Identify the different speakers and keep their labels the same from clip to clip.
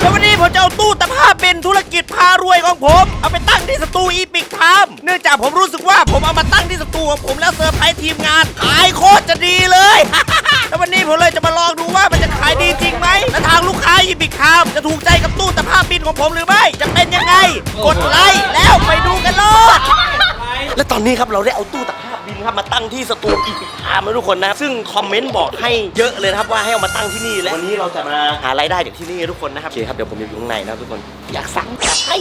Speaker 1: แล้ววันนี้ผมจะเอาตู้ตะภาพเป็นธุรกิจพารวยของผมเอาไปตั้งที่สตูอีพิกไทม์เนื่องจากผมรู้สึกว่าผมเอามาตั้งที่สตูของผมแล้วเซอร์ไพรส์ทีมงานขายโคตรจะดีเลย แล้ววันนี้ผมเลยจะมาลองดูว่ามันจะขายดีจริงไหมและทางลูกค้าอีพิกไทม์จะถูกใจกับตู้ตะภาพบินของผมหรือไม่จะเป็นยังไงกดไลค์แล้วไปดูกันเลยและตอนนี้ครับเราได้เอาตู้ตะภาพบินครับมาตั้งที่สตูอีพิกไทม์แล้วทุกคนนะซึ่งคอมเมนต์บอกให้เยอะเลยนะครับว่าให้เอามาตั้งที่นี่และวันนี้เราจะมาหารายได้จากที่นี่ทุกคนนะครับโอเคครับเดี๋ยวผมอยู่ข้างในนะทุกคนอยากสั่งอยากให้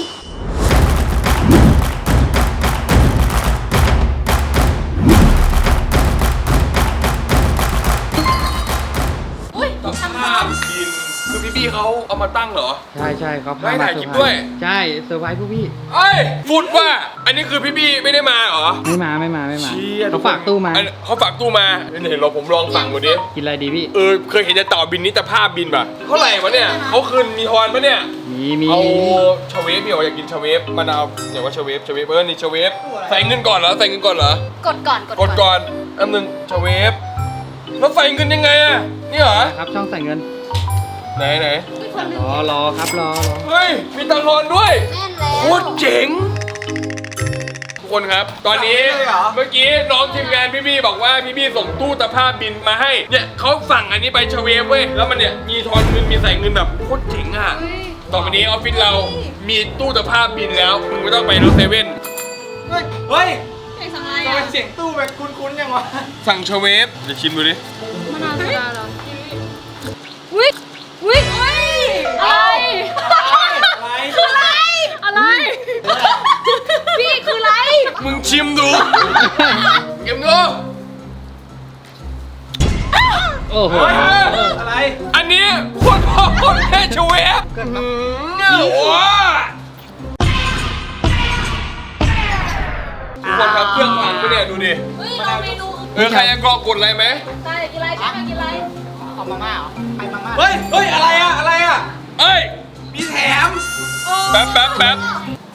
Speaker 2: ภาพบินคือพี่ๆเขาเอามาตั้งเหรอ
Speaker 3: ใช่เขาพา
Speaker 2: ได้
Speaker 3: มา
Speaker 2: ถ่าย
Speaker 3: เซ
Speaker 2: ค
Speaker 3: อ
Speaker 2: ลิป
Speaker 3: ร์ไพร
Speaker 2: ด้วย
Speaker 3: ส์ใช่เซอร์ไพรส์พวกพี่
Speaker 2: เอ้ยพูดว่าอันนี้คือพี่ๆไม่ได้มาเหรอ
Speaker 3: ไม่มา
Speaker 2: เชี่ย
Speaker 3: เขาฝากตู้มา
Speaker 2: เขาฝากตู้มาเห็นเราผมลองสั่งดูดิ
Speaker 3: กินอะไรดีพี่
Speaker 2: เคยเห็นจะต่อบินนี้แต่ภาพบินป่ะเท่าไหร่วะเนี่ยเขาคืนมีทอนปะเนี่ย
Speaker 3: มี
Speaker 2: เอาชาเวฟพี่อยากกินชาเวฟมะนาวอย่างว่าชาเวฟนี่ชาเวฟใส่เงินก่อนเหรอก
Speaker 4: ดก่อน
Speaker 2: กดก่อนอันนึงชาเวฟแล้วใส่เงินยังไงอะนี่เหรอ
Speaker 3: ครับช่องใส่เงิน
Speaker 2: ไหน
Speaker 3: รอครับรอ
Speaker 2: เฮ้ยมีตังค์ทอนด้วย
Speaker 4: แน่นแล้ว
Speaker 2: โคตรเจ๋งทุกคนครับ ตอนนี้เมื่อกี้น้องทีมงานพี่ๆบอกว่าพี่ๆส่งตู้ตะภาพบินมาให้เนี่ยเขาสั่งอันนี้ไปชเวฟเว้ยแล้วมันเนี่ยมีทอนเงินมีใส่เงินแบบโคตรเจ๋งอ่ะต่อไปนี้ออฟฟิศเรามีตู้ตะภาพบินแล้วมึงไม่ต้องไปรถเซเว่น
Speaker 5: เฮ้ย
Speaker 4: เสียงอะไร
Speaker 5: ทำไม
Speaker 4: อ่ะ
Speaker 5: เสียงตู้แบบคุ้นๆยังวะ
Speaker 2: สั่งชเวฟเดี๋ยวชิมดูดิ
Speaker 4: มะนาวโซดาเหรอวิอะไร
Speaker 5: อะไร
Speaker 4: คืออะไรอะไรพี่คืออะไร
Speaker 2: มึงชิมดูชิมดู
Speaker 3: โอ้โห
Speaker 5: อะไร
Speaker 2: อันนี้โคตรพ่อโคตรแม่ชเวฟว้าทุกคนครับเครื่องพังปะเนี่ยดูดิ
Speaker 4: เฮ้ยเราเมนู
Speaker 2: ใครจะกรอกกดอะไรไหม
Speaker 4: ใช่กินอะไรใช่ไหมกินอะไร
Speaker 5: เอามาม่าเหรอไอ้มาม่าเฮ้ยอะไรอะ
Speaker 2: เอ้ย
Speaker 5: มีแถม
Speaker 2: แป๊บ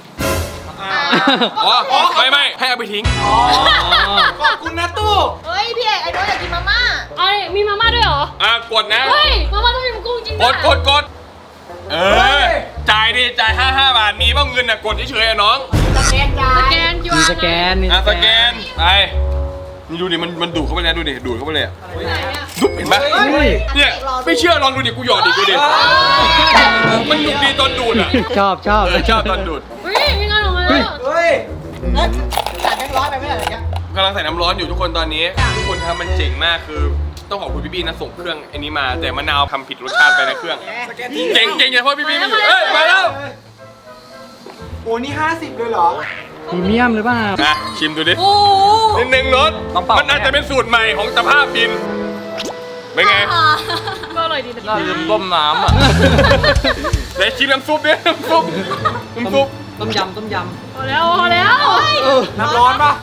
Speaker 2: อ๋อไม่ให้เอาไปทิ้ง
Speaker 5: ขอบคุณนะตู้
Speaker 4: เฮ้ยพี่เอกไอ้น้องอยากกินมาม่า
Speaker 6: เอ้ยมีมาม่าด้วยเหรอ
Speaker 2: กดนะ
Speaker 6: เฮ้ย มาม่าต้องมีมันกุ้งจริง
Speaker 2: กดจ่ายดิจ่าย55 บาทมีบ้างเงินน่ะกดเฉยๆอะน้อง
Speaker 6: สแกน
Speaker 3: มีสแกน
Speaker 2: สแกนไปนี่ดูดิมันดูดเข้าไปแล้วดูดิดูดเข้าไปเลยอะดุ๊บเห็นปะเนี่ยไม่เชื่อลองดูดิกูหยอดดิดูดิมันดุดีตอนดูดอ่ะ
Speaker 3: ชอบ
Speaker 2: ชอบตอนดูด
Speaker 6: เฮ้ยมีงานออกมาแล้ว
Speaker 5: เฮ้ยแล้วจ่ายแบงค์ร้อยไปไม่ได้เหรอเนี่ย
Speaker 2: กำลังใส่น้ำร้อนอยู่ทุกคนตอนนี้ทุกคนครับมันเจ๋งมากคือต้องขอบคุณพี่ๆนะส่งเครื่องไอ้นี้มาแต่มะนาวทำผิดรสชาติไปในเครื่อง
Speaker 5: สแกนที่
Speaker 2: เจ๋งเฉพาะพี่ๆไม่อยู่มาแล้ว
Speaker 5: โอ้นี่50เลยเหรอ
Speaker 3: พรีเมียมหรือเปล่า
Speaker 2: นะชิมดูดิ
Speaker 6: โอ้
Speaker 2: นิดนึงรสมันอาจจะเป็นสูตรใหม่ของตะภาพบินเป็นไง
Speaker 6: ก็อร่อยดีนะ
Speaker 2: ลืมต้มน้ำอ่ะเดี๋ยวชิมน้ำซุปดิน้ำซุป
Speaker 3: ต้มยำ
Speaker 6: พอแล้ว
Speaker 5: น้ำร้อนปะ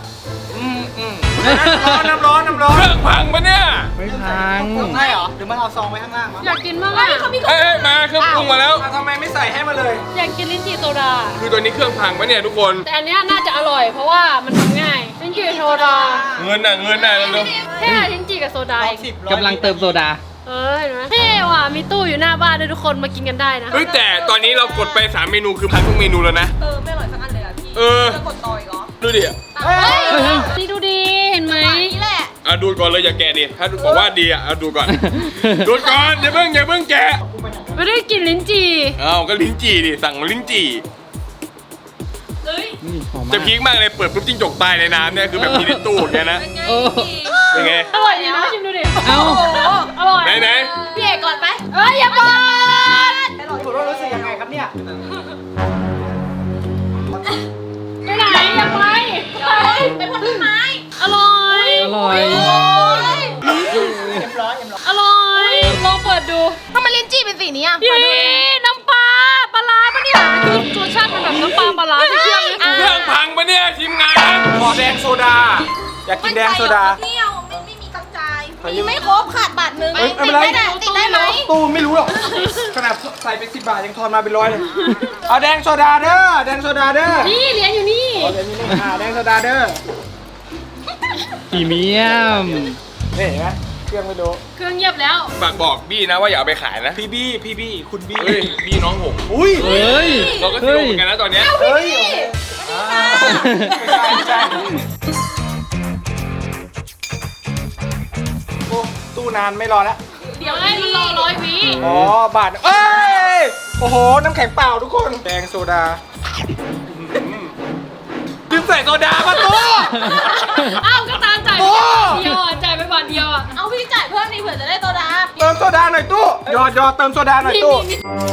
Speaker 5: น้ำร้อน
Speaker 2: เครื่องพังปะเนี่ย
Speaker 3: ไม่พัง
Speaker 5: ใช่เหรอหรือมันเอาซองไว้ข้างล่างวะ
Speaker 6: อยากกินมากอ่ะ
Speaker 2: เอ้ยมาเครื่องปรุงมาแล้ว
Speaker 5: ทำไมไม่ใส่ให้มาเลย
Speaker 6: อยากกินลิ้นจี่โซดา
Speaker 2: คือตัวนี้เครื่องพังปะเนี่ยทุกคน
Speaker 6: แต่อันเนี้ยน่าจะอร่อยเพราะว่ามันทำง่ายลิ้นจี่โซดา
Speaker 2: เงินน่ะเร็ว
Speaker 6: แค่ลิ้นจี่กับโซดาเอง
Speaker 3: กำลังเติมโซดา
Speaker 6: เห็นไหมเท่ว่ะมีตู้อยู่หน้าบ้านด้วยทุกคนมากินกันได้นะ
Speaker 2: เฮ้ยแต่ตอนนี้เรากดไป3เมนูคือพังทุกเมนูแล้วนะ
Speaker 4: ไม่อร่อยสักอันเลยอ่ะพี่ จะกดต่ออีกเหรอ
Speaker 2: ดูดิ
Speaker 6: เฮ้ยนี่ดูดีเห็นไหม
Speaker 4: นี่แหละ
Speaker 2: ดูก่อนเลยอย่าแกะดิถ้าบอกว่าดีดูก่อนดูก่อนอย่าเพิ่งแกะ
Speaker 6: ไม่ได้กินลิ้นจี่
Speaker 2: ก็ลิ้นจี่ดิสั่งลิ้นจี่
Speaker 3: นี่หอมมา
Speaker 2: จะ
Speaker 3: ก
Speaker 2: พีคมากเลยเปิดปุ๊บจิ้งจกตายในน้ำเนี่ยคือแบบมีในตู้อย่างเงี้ยนะ
Speaker 3: โอ้
Speaker 2: เป็นไง
Speaker 6: อร่อยดีนะชิมดูดิ
Speaker 3: เอ้า
Speaker 6: อร่อย
Speaker 2: ไหน
Speaker 4: พี่เอกก่อนไป
Speaker 6: เอ้ยอย่าบอก
Speaker 5: คุณว่ารู้สึกยังไงครับเนี่ย
Speaker 6: ไปไหนอย่าไป
Speaker 4: ไปพ่นต้นไม้
Speaker 6: อร่อย
Speaker 3: อร่อย
Speaker 6: อร่อยลองเปิดดู
Speaker 4: ทำไมลิ้นจี้เป็นสีนี้อ่ะ
Speaker 6: พี่น้ำปลาปลาร้าปะเนี่ยคือรสชาติมันแบบน้ำปลาปลาร้าที่เชื่อมนี่
Speaker 2: เครื่องพังปะเนี่ยทีมงาน
Speaker 5: ขอแดงโซดา อยากกินแดงโซดา
Speaker 4: เที่ยวไม่มีกำจายมีไม่ครบขาดบาทนึง
Speaker 5: เอ้ยไม่
Speaker 4: ติ
Speaker 5: เป็นไร
Speaker 4: ดได้ติดได้ไหม
Speaker 5: ตู้ไม่รู้หรอก ขนาดใส่ไป10 บาทยังทอนมาเป็น100เลย เอาแดงโซดาเด้อ แดงโซดาเด้อ
Speaker 6: นี่เหรียญอยู่นี่
Speaker 5: เอาเดี๋ยวนี้แดงโซดาเด้อ
Speaker 3: พรีเมียม
Speaker 5: นี่เห็นไหมเครื่องไม่รู้
Speaker 6: เครื่องเงียบแล้ว
Speaker 2: ฝากบอกบี้นะว่าอย่าเอาไปขายนะ
Speaker 5: พี่บี้คุณบี้
Speaker 2: เฮ้ยบี้น้องผม
Speaker 5: อุ้ย
Speaker 3: เฮ้ย
Speaker 2: เราก็ซีโร่เหมือนกันนะตอนเนี้ย
Speaker 5: เฮ้ยไม่ใช่โอ้ตู้นานไม่รอแล้ว
Speaker 6: เดี๋ยวให้มันรอ100 วิ
Speaker 5: อ๋อบาทเอ้ยโอ้โหน้ำแข็งเปล่าทุกคนแดงโซดาดื่มใส่โซดามาตู้
Speaker 6: อ้าวก็ตามจ่าย
Speaker 5: โอ้
Speaker 6: เดียวอ่ะจ่ายไปบาทเดียวอ่ะ
Speaker 4: เอาพี่จ่ายเพิ่มนี่เผื่อจะได้โซดา
Speaker 5: เติมโซดาหน่อยตู้ยอดเติมโซดาหน่อย
Speaker 6: มี
Speaker 5: ตู้
Speaker 6: มี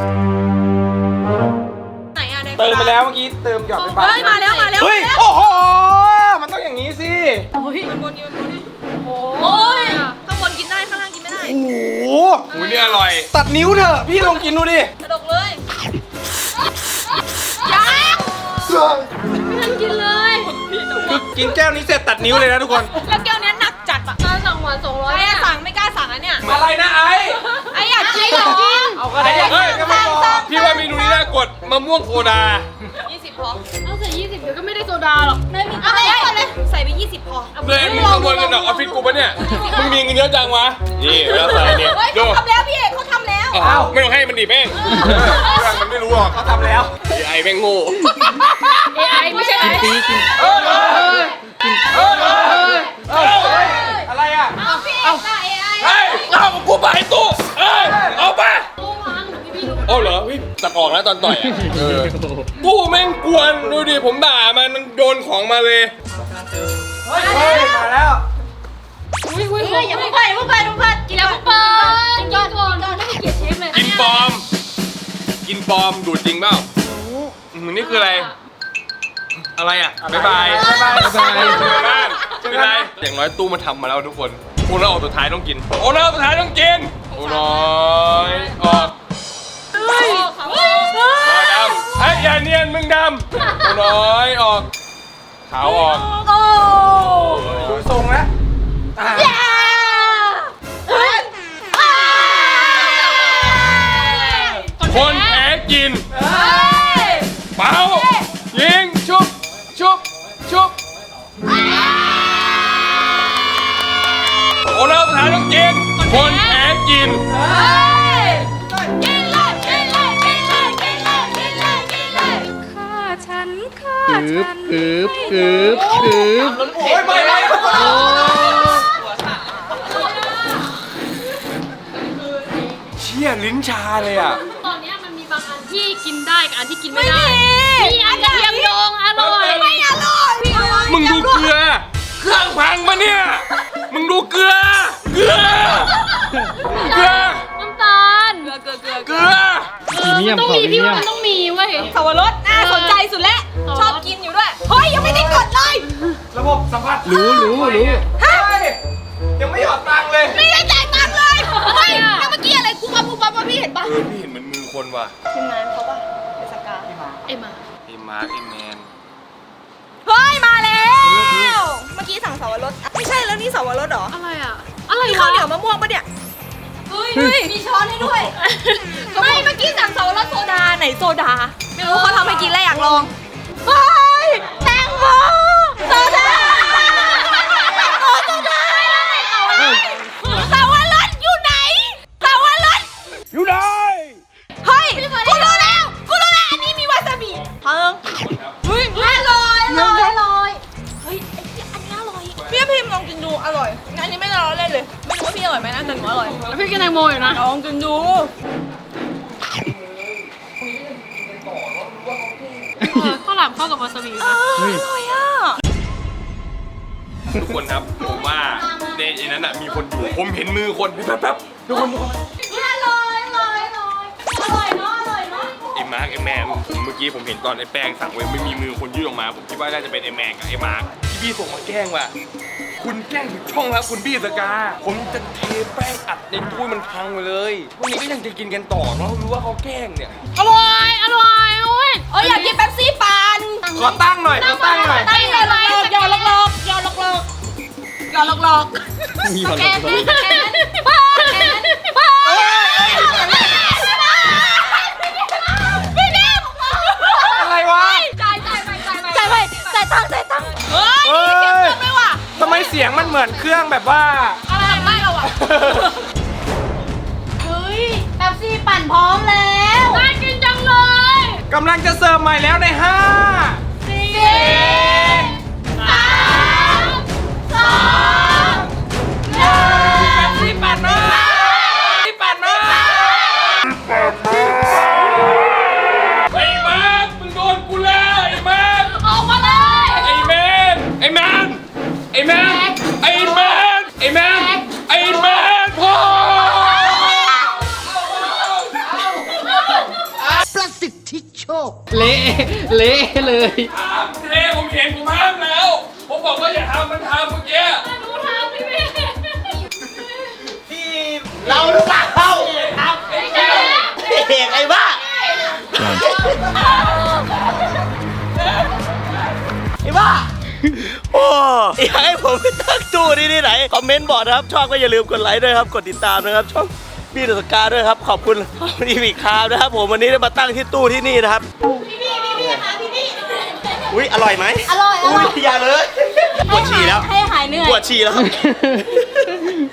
Speaker 4: ไหนอะใน
Speaker 5: เติมไปแล้วเมื่อกี้เติมหยอดไปบ้าง
Speaker 4: เฮ้ยมาแล้วมาแล้ว
Speaker 5: เฮ้ยโอ้โหมันต้องอย่างนี้สิ
Speaker 4: มันบนนี่มันบนนี่
Speaker 6: โอ้
Speaker 4: โอ้ย
Speaker 6: ย
Speaker 4: ข้างบนกินได้ข้างล่างกินไม่ได้
Speaker 5: โอ้โห
Speaker 2: อุ้ยนี่อร่อย
Speaker 5: ตัดนิ้วเถอะพี่ลองกินดูดิ
Speaker 4: กระดกเลยยัง
Speaker 6: ไม่ทันกินเลย
Speaker 5: คือกินแก้วนี้เสร็จตัดนิ้วเลยนะทุกคน
Speaker 4: แล้วแก้วเนี้ยหนักจัดอะ
Speaker 6: ตอนสั่งหวาน200
Speaker 4: ไอ้
Speaker 6: เนี่ย
Speaker 4: สั่งไม่กล้าสั่งอะเนี่ย
Speaker 5: อะไรนะไอ้
Speaker 4: ไอ้อยากกินอยากกิน
Speaker 5: เอาก็ได้อยาก
Speaker 2: เฮ้ย
Speaker 5: กินก็ไม่พอ
Speaker 2: พี่ว่าเมนูนี้น่ากดมะม่วงโซดา
Speaker 4: 20พอ
Speaker 6: เอาใส่20เดี๋ยวก็ไม่ได้โซดาหรอก
Speaker 4: ไม่มีเอาไปก่อนเลยใส่ไป20พอ
Speaker 2: เลยมึงขโมยเงินจากออฟฟิศกูปะเนี่ย มึงมีเงินเยอะจังวะ นี่แล้วใส่เนี่ย
Speaker 4: เฮ้ย
Speaker 2: ดู
Speaker 4: เขาทำแล้วพี่เอกเขาทำแล้ว
Speaker 2: อ้าวไม่ต้องให้มันดิแม่งเรื่องมันไม่รู้หรอก
Speaker 5: เขาทำแล้ว
Speaker 2: ไอ้แม่งโง่
Speaker 6: AI ไม่ใช่ไอ้
Speaker 3: ตีกิน
Speaker 5: อะไรอ่ะ
Speaker 4: เอาพี่เอกได้ไอ้
Speaker 2: เฮ้ยเอาของกูไปตู้เอ้ยเอาไป
Speaker 6: ตู้วางพี่พี่ดู
Speaker 2: เอาเหรอพี่ตัดออกแล้วตอนต่อยอ่ะตู้แม่งกวนดูดิผมด่ามันโยนของมาเลย
Speaker 5: เฮ้ยมาแล้ว
Speaker 6: อุ้ย
Speaker 4: เฮ้ยอย่าเพิ่งไปอย่าเพิ่งไปอย่าเพิ่งไปกิน
Speaker 6: เดี๋ยว
Speaker 4: แล้ว
Speaker 6: เปิดกินก่อนไม่ให้เกียรติเชฟเลย
Speaker 2: กินปลอม กินปลอมดูดจริงเปล่านี่คืออะไร อะไรอ่ะบ๊ายบาย
Speaker 5: บ๊ายบาย
Speaker 2: บ้านเป็นไรอย่างน้อยตู้มาทำมาแล้วทุกคนโอ้แล้วออกสุดท้ายต้องกินโอ้แล้วสุดท้ายต้องกินโอ้น้อยออก
Speaker 4: เฮ้ย
Speaker 2: มาดำเฮ้ยอย่าเนียนมึงดำโอ้น้อยออกขาวออก
Speaker 4: โอ้
Speaker 5: ดูทรงแล้วอ่ะ
Speaker 2: คนแพ้กินเป่ายิงชุบชุบชุบโอ้แล้วสุดท้ายต้องกินคนแพ้กิน
Speaker 3: กึบกึบกึบกึบ
Speaker 5: โอ้ยไปเลย
Speaker 2: เชี่ยลิ้นชาเลยอ่ะ
Speaker 6: ตอนนี้มันมีบางอันที่กินได้กับอันที่กินไม่ได้มีอันกระเทียมดองอร่อย
Speaker 4: ไม่อร่อยพี่
Speaker 2: มึงดูเกลือ เครื่องพังปะเนี่ย มึงดูเกลือ เกลือ เกลือ
Speaker 6: น้ำตาล
Speaker 2: เกลือ
Speaker 3: พรีเมียม
Speaker 6: ต้อง
Speaker 3: ขอ
Speaker 6: มี
Speaker 3: พรี
Speaker 6: พี่
Speaker 3: เมีย
Speaker 6: ว่าม มันต้องมีเว้ย
Speaker 4: สวรสน่าสนใจสุดแล้วชอบกินอยู่ด้วยเฮ้ยยังไม่ได้กดเลย
Speaker 5: ระบบสัมผัส
Speaker 3: รู้
Speaker 5: เฮ้ยยังไม่หยอดตังค์เลย
Speaker 4: ไม่ได้จ่ายตังค์เลยเฮ้ยแล้วเมื่อกี้อะไรกูปั๊บว่าพี่เห็นปะ
Speaker 2: พี่เห็นเหมือนมือคนว่ะ
Speaker 4: ทีมงานเขาปะเป็นสกา
Speaker 6: ไอ้มา
Speaker 2: ไอ้มาร์คไอ้แมน
Speaker 4: เฮ้ยมาแล้ว เมื่อกี้สั่งสวรสไม่ใช่แล้วนี่สวรสเหรอ
Speaker 6: อะไรอ่ะ อะไร
Speaker 4: มี
Speaker 6: วะ
Speaker 4: ข้าวเหนียวมะม่วงปะเนี่ยเฮ้ยมีช้อนให้ด้วยไม่เมื่อกี้สั่งสวรสโซดาไหนโซดาไม่รู้เขาทำให้กินแล้วอยากลองเฮ้ยแตงโมโซดาโอ้โซดาสวรสอยู่ไหนสวรส
Speaker 5: อยู่ไหน
Speaker 4: เฮ้ยกูรู้แล้วอันนี้มีวาซาบิเพิ่งเฮ้ยอร่อยเฮ้ยไอ้เหี้ยอันนี้อร่อยพี่พิมพ์ลองกินดูอร่อยอันนี้ไม่ได้ล้อเล่นเลยไม่รู้ว่าพี่อร่อยไหมนะแต่หนูอร่อย
Speaker 6: แล้วพี่กินแตงโมอยู่นะ
Speaker 4: ลองกินดู
Speaker 6: ข้าวหลามเข้ากับวาซาบินะ
Speaker 4: อร่อยอ่ะ
Speaker 2: ทุกคนครับ ผมว่าในนั้นน่ะมีคนอยู่ ผมเห็นมือคนแป๊บๆทุกคน
Speaker 4: อร่อยเนาะอร่อยเนาะ
Speaker 2: ไอ้มาร์คไอ้แมน เมื่อกี้ผมเห็นตอนไอ้แป้งสั่งไว้ไม่มีมือคนยื่นออกมา ผมคิดว่าน่าจะเป็นไอ้แมนกับไอ้มาร์คที่พี่ส่งมาแกล้งว่ะ คุณแกล้งผิดช่องแล้วคุณบี้สกา ผมจะเทแป้งอัดในถ้วยมันพังไปเลยพวกนี้ก็ยังจะกินกันต่อเนาะรู้ว่าเขาแกล้งเนี่ย
Speaker 6: อร่อยโอ้ย
Speaker 4: อยากกินเป๊ปซี่ปั่น
Speaker 5: ขอตั้งหน่อยขอตั้งหน่อย
Speaker 4: ตั้งหน่อยยอลอก
Speaker 3: มีคน
Speaker 4: แก
Speaker 3: ละ
Speaker 4: น
Speaker 3: คน
Speaker 4: พี่นิ่ม
Speaker 5: อะไรวะ
Speaker 4: จ่ายตังค์เฮ้ย
Speaker 5: เฮ้ย
Speaker 4: เสียงเกินไหมวะ
Speaker 5: ทำไมเสียงมันเหมือนเครื่องแบบว่า
Speaker 4: อะไรไม่เราอ่ะเฮ้ยแป๊บซี่ปั่นพร้อมแล้ว
Speaker 6: น่ากินจังเลย
Speaker 5: กำลังจะเสิร์ฟใหม่แล้วใน 5
Speaker 4: 4 3 2 1
Speaker 5: ที่ปั่นมาที่ปั่นมา
Speaker 2: ไอ้แมนมึงโดนกูแล้วไอ้แมน
Speaker 6: ออกมาเลย
Speaker 2: ไอ้แมนไอ้แมนไอ้แมนไอ้แมนไอ้แมนไอ้แมนพ่อ
Speaker 3: เละเละเลย
Speaker 2: ห้ามเทผมเห็นผมห้ามแล้ว ผมบอกว่าอย่าทำมันทำเมื่อกี้
Speaker 6: หนูทำพี่เมย์
Speaker 1: เราหรือเปล่าเอกไอ้บ้าไอ้บ้าโอ้อยากให้ผมไปตั้งตู้ที่ไหนคอมเมนต์บอกนะครับชอบก็อย่าลืมกดไลค์ด้วยครับกดติดตามนะครับช่องพี่เดอะสกาด้วยครับขอบคุณอีพีคาวนะครับผมวันนี้ได้มาตั้งที่ตู้ที่นี่นะครับพี่ค่ะพี่อุ้ยอร่อยไหม
Speaker 4: อร่อย
Speaker 1: อุ้ยอย่าเลยปวดฉี่แล้ว
Speaker 4: ให้หายเหนื่อย
Speaker 1: ปวดฉี่แล้วครับ